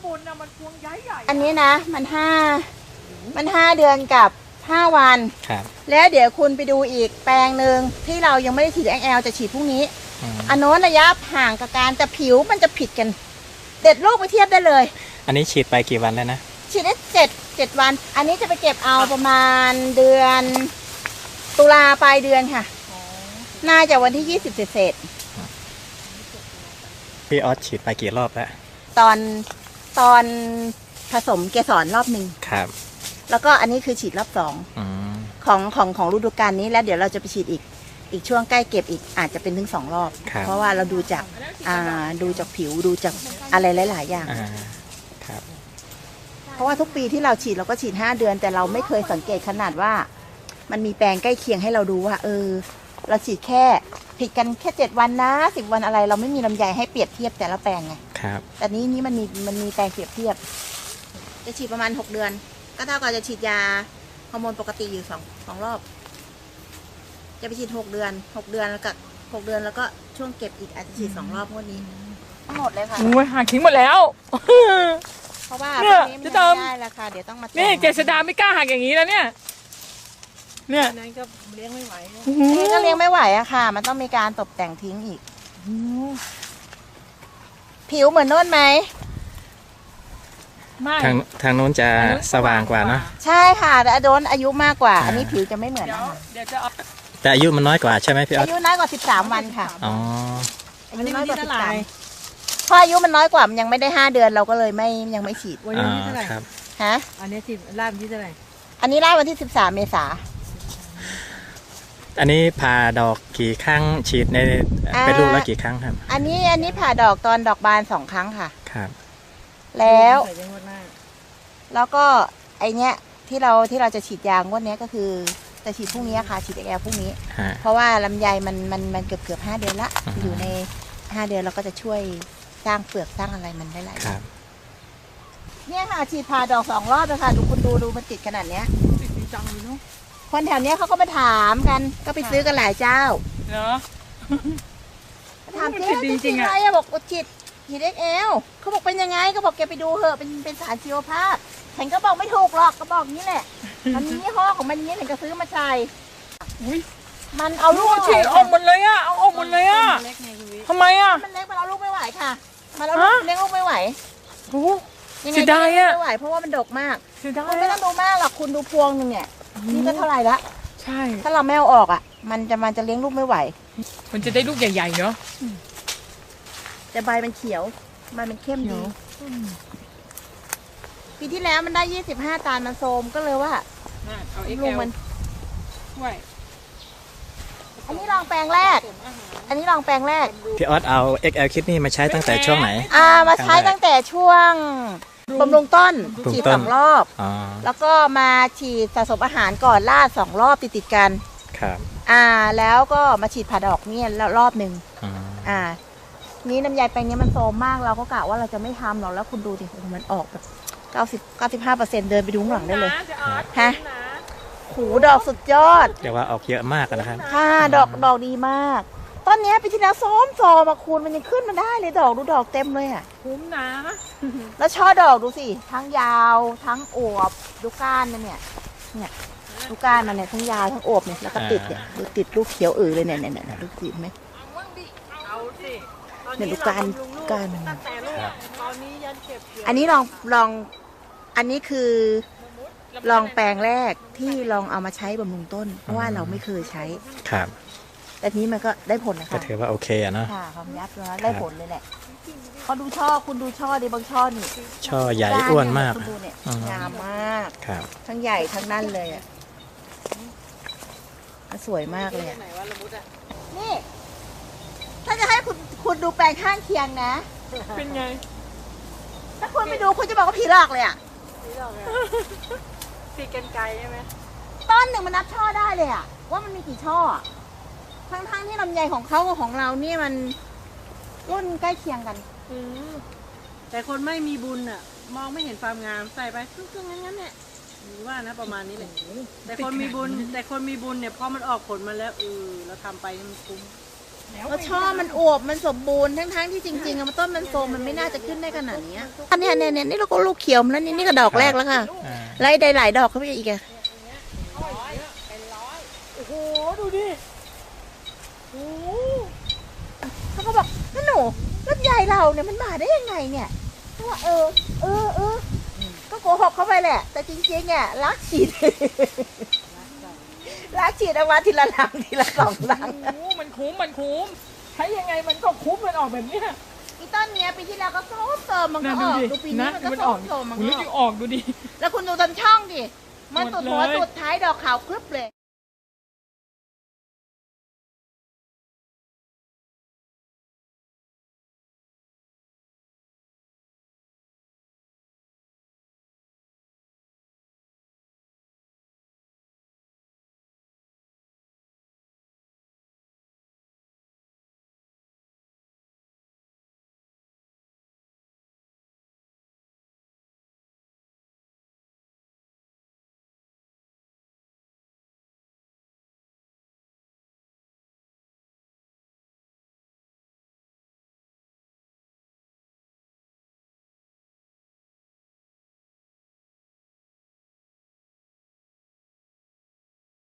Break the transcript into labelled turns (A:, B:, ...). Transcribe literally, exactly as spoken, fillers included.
A: ปุ่นนะมันพวงใหญ่ใหญ่
B: อันนี้นะมันห้ามันห้าเดือนกับห้าวัน
C: ครับ
B: แล้วเดี๋ยวคุณไปดูอีกแปลงหนึ่งที่เรายังไม่ได้ฉีด เอ็กซ์ แอล จะฉีดพรุ่งนี้อันโน้นระยะห่างกับการแต่ผิวมันจะผิดกันเด็ดลูกไปเทียบได้เลย
C: อันนี้ฉีดไปกี่วันแล้วนะ
B: ฉีดได้เจ็ดเจ็ดวันอันนี้จะไปเก็บเอาประมาณเดือนตุลาปลายเดือนค่ะน่าจะวันที่ยี่สิบเศษ
C: พี่ออสฉีดไปกี่รอบแล้ว
B: ตอนตอนผสมเกสรรอบหนึ่ง
C: ครับ
B: แล้วก็อันนี้คือฉีดรอบสองของของของฤดูกาลนี้แล้วเดี๋ยวเราจะไปฉีดอีกอีกช่วงใกล้เก็บอีกอาจจะเป็นถึงสองรอบเพราะว่าเราดูจากอ่าดูจากผิวดูจากอะไรหลายๆอย่าง
C: ครับ
B: เพราะว่าทุกปีที่เราฉีดเราก็ฉีดห้าเดือนแต่เราไม่เคยสังเกตขนาดว่ามันมีแปลงใกล้เคียงให้เราดูว่าเออเราฉีดแค่ผิดกันแค่เจ็ดวันนะสิบวันอะไรเราไม่มีลำไยให้เปรียบเทียบแต่ละแปลงไง
C: ครับ
B: แต่นี้นี่มันมีมันมีแปลงเปรียบเทียบจะฉีดประมาณหกเดือนก็เท่ากับจะฉีดยาฮอร์โมนปกติอยู่สองสองรอบจะไปฉีดหกเดือนหกเดือนแล้วก็หกเดือนแล้วก็ช่วงเก็บอีกอาจจะฉีดสองรอบพวกนี้ทั้งหมดเลยค่ะ
A: โอ้ยหักทิ้งหมดแล้ว
B: เพราะว่าพวกนี้มันไม่ได้ราคาเดี๋ยวต้องมา
A: นี่เกษดาไม่กล้าหักอย่างนี้แล้วเนี่ยเนี่ย
B: นั้นก็เลี้ยงไม่ไหวนี่ก็เลี้ยงไม่ไหวอะค่ะมันต้องมีการตกแต่งทิ้งอีกผิวเหมือนโน่นไหม
C: ไม่ทางทางโน้นจะสว่างกว่าเนาะ
B: ใช่ค่ะแต่โดนอายุมากกว่าอันนี้ผิวจะไม่เหมือนนะคะ
C: แต่อายุมันน้อยกว่าใช่ไหมพี่ออส
B: อายุน้อยกว่าสิบสามวันค่ะ
C: อ๋อ
B: อายุน้อยกว่าสิบสามพออายุมันน้อยกว่ามันยังไม่ได้ห้าเดือนเราก็เลยไม่ยังไม่ฉีด
A: วันนี้ที่เท่าไหร่
B: ฮะ
A: อันนี้ที่ล่าวันที่เท่าไหร่
B: อันนี้ล่าวันที่สิบสามเมษา
C: อันนี้ผ่าดอกกี่ครั้งฉีดในเป็นลูกแล้วกี่ครั้งครับ
B: อันนี้อันนี้ผ่าดอกตอนดอกบานสองครั้งค่ะ
C: ครับ
B: แล้วแล้วก็ไอเนี้ยที่เราที่เราจะฉีดยางวดนี้ก็คือจะฉีดพรุ่งนี้ค่ะฉีดแอลพรุ่งนี้เพราะว่าลำไยมันมันมันเกือบเกือบห้าเดือนละอยู่ในห้าเดือนเราก็จะช่วยสร้างเปลือกสร้างอะไรมันได้หลายอย่างเนี่ยค่ะฉีดผ่าดอกสองรอบเลยค่ะดูคุณดูดูมันติดขนาดเนี้ย
A: ติดจริงจังเลยเนาะ
B: คนแถวเนี้ยเขาก็มาถามกันก็ไปซื้อกันหลายเจ้า
A: เนาะ
B: ถามจริงจริงอะไรอะบอกฉีดฉีดเอ็กซ์ แอลเขาบอกเป็นยังไงก็บอกแกไปดูเหอะเป็นเป็นสารชีวภาพฉันก็บอกไม่ถูกหรอกก็บอกนี้แหละมันมียี่ห้อของมันนี้ฉันก็ซื้อมาใช้มันเอาลูก
A: ฉีดออกหมดเลยอะเอาออกหมดเลยอะทำไมอะ
B: มันเล็กมันเอาลูกไม่ไหวค่ะมันเอาลูกเลี้ยงลูกไม่ไหว
A: โอ้
B: ยังไงก็ไม่ไหวเพราะว่ามันดกมากคุณไม่ต้องดูมากหรอกคุณดูพวงหนึ่งเนี่ยนี่ก็เท่าไหร่ละ
A: ใช่
B: ถ้าเราไม่เอาออกอ่ะมันจะมันจะเลี้ยงลูกไม่ไหว
A: มันจะได้ลูกใหญ่ๆเนาะ
B: แต่ใบมันเขียวใบมันเข้มดีปีที่แล้วมันได้ยี่สิบห้าตันมันโทมก็เลยว่าลูกมันอันนี้ลองแปลงแรกอันนี้ลองแปลงแรก
C: พี่ออสเอา เอ็กซ์ แอล Kit นี่มาใช้ตั้งแต่ช่วงไหน
B: อ่ามาใช้ตั้งแต่ช่วงบำรุงต้นฉีดสองรอบแล้วก็มาฉีดสะสมอาหารก่อนลาดสองรอบติดติดกัน
C: ครับ
B: อ่าแล้วก็มาฉีดผ่าดอกเนี่ยแล้วรอบหนึ่งอ่านี้น้ำยาแปลงนี้มันโซมมากเราก็กะว่าเราจะไม่ทำหรอกแล้วคุณดูดิมันออกแบบเก้าสิบเก้าสิบห้าเปอร์เซ็นต์เดินไปดูข้างหลังได้เลยฮะหูดอกสุดยอด
C: เดี๋ยวว่าออกเยอะมากนะครับ
B: ค่ะดอกดอกดีมากต้นนี้ปีที่แล้วซ้อมซอมาคูณมันยังขึ้นมาได้เลยดอกดูดอกเต็มเลยอ่ะ
A: คุ้มนะ
B: แล้วช่อดอกดูสิทั้งยาวทั้งอวบดูก้านมันเนี่ยเนี่ยดูก้านมันเนี่ยทั้งยาวทั้งอวบเนี่ยแล้วก็ติดเนี่ยดูติดลูกเขียวอือเลยเนี่ยเนี่ยเนี่ยดูสิไหมเนี่ยดูก้านก้านมันอันนี้ลองลองอันนี้คือลองแปลงแรกที่ลองเอามาใช้บำรุงต้นเพราะว่าเราไม่เคยใช้
C: ครับ
B: แต่นี้มันก็ได้ผลนะคะ
C: ก็ถือว่าโอเคอะเนาะ
B: ค่ะความยับแล้วได้ผลเลยแหละเขาดูช่อคุณดูช่อดิบางช่อนี่
C: ช่อใหญ่อ้วนมาก
B: คุณดูเนี่ยงามมาก
C: ครับ
B: ทั้งใหญ่ทั้งนั่นเลยอ่ะสวยมากเลยนี่ถ้าจะให้คุณคุณดูแปลงข้างเคียงนะ
A: เป็นไง
B: ถ้าคุณไปดูคุณจะบอกว่าผีหลอกเลยอ่ะ
A: ผีหลอกเลยตีกันไกลใช่ไหม
B: ต้นหนึ่งมันนับช่อได้เลยอ่ะว่ามันมีกี่ช่อทั้งๆที่ลำไยของเขากับของเรานี่มันรุ่นใกล้เคียงกัน
A: แต่คนไม่มีบุญอ่ะมองไม่เห็นความงามใส่ไปครึ่งๆงั้นๆเนี่ยหรือว่านะประมาณนี้เลยแต่คนมีบุญแต่คนมีบุญเนี่ยพอมันออกผลมาแล้วเออเราทำไปมันคุ้ม
B: แล้วช่อมันอวบมันสมบูรณ์ทั้งๆที่จริงๆอะมันต้นมันโซมมันไม่น่าจะขึ้นได้ขนาดนี้อันเนี้ยเนี่ยเนี่ยนี่เราก็ลูกเขียวมาแล้วนี่นี่ก็ดอกแรกแล้วค่ะ
C: อ่า
B: ไล่ได้หลายดอกเข้าไปอีกอะ
A: โอ้โหดูดิโอ้โห
B: เขาก็บอกนั่นหนูลำไยเราเนี่ยมันมาได้ยังไงเนี่ยเพราะว่าเออเออเออก็โกหกเขาไปแหละ แต่จริงๆเนี่ยรักฉีด รักฉีดเอามาทีละหลังทีละสองหลัง
A: โอ้โหมันคุ้มมันคุ้มใช้ยังไงมันก็คุ้มมันออกแบบเนี้ย
B: อีต้นเนี้ยปีที่แล้วก็โซมโซมมันก็
A: นะ
B: อ
A: ดู
B: อก
A: ดิ
B: ดูปีนี้
A: นะ
B: มันก็
A: มัน
B: โซ
A: ออก
B: มโซมมัน
A: คุณ
B: ก็
A: ลึก
B: อ
A: ยั
B: อก
A: งออกดูดิ
B: แล้วคุณดูต้นช่องดิมัน
A: หม
B: สุ
A: ด
B: ดหัว
A: เลย
B: สุดท้ายดอกขาวครึบเลย